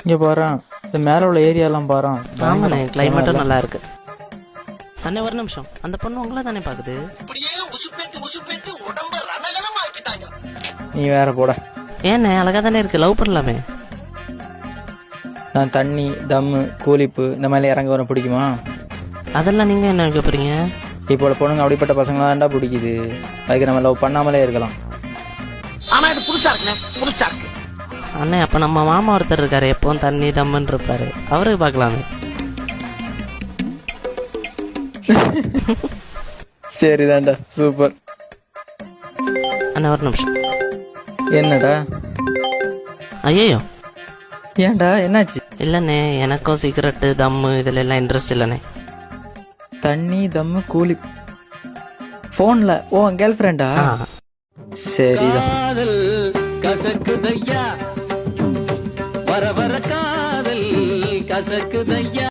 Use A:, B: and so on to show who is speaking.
A: இங்கே பாறேன், இந்த மேலே உள்ள ஏரியாலாம் பாறேன்.
B: ஆமாண்ணே, கிளைமேட்டும் நல்லா இருக்கு. அண்ணே ஒரு நிமிஷம், அந்த பொண்ணு உங்களை தானே பாக்குது.
A: நீ வேற போட.
B: ஏண்ணே அழகா தானே இருக்கு, லவ் பண்ணலாமே.
A: நான் தண்ணி, தம்மு, கூலிப்பு இந்த மாதிரி இறங்க வர பிடிக்குமா?
B: அதெல்லாம் நீங்க என்ன வைக்க போறீங்க?
A: இப்போ உள்ள பொண்ணுங்க அப்படிப்பட்ட பசங்களாம் தான்டா பிடிக்குது. அதுக்கு நம்ம லவ் பண்ணாமலே இருக்கலாம்.
C: ஆனா இது புதுசா இருக்குண்ணே, புதுசா இருக்கு.
B: அண்ணே அப்ப நம்ம மாமா ஒருத்தர் இருக்காரு, எப்பவும் தண்ணி தம்முன்னு இருப்பாரு, அவருக்கு பார்க்கலாமே.
A: சரிதான்டா, சூப்பர்.
B: அண்ணே ஒரு நிமிஷம்.
A: என்னடா?
B: ஐயோ
A: ஏன்டா, என்னாச்சு?
B: இல்லண்ணே, எனக்கும் சிகரெட்டு தம்மு இதுல எல்லாம் இன்ட்ரெஸ்ட் இல்லண்ணே.
A: தண்ணி, தம்மு, கூலி போன்ல. ஓ கேர்ள் ஃப்ரெண்டா? சரிதான்.
D: கசக்குதையா வர வர காதல் கசக்குதையா.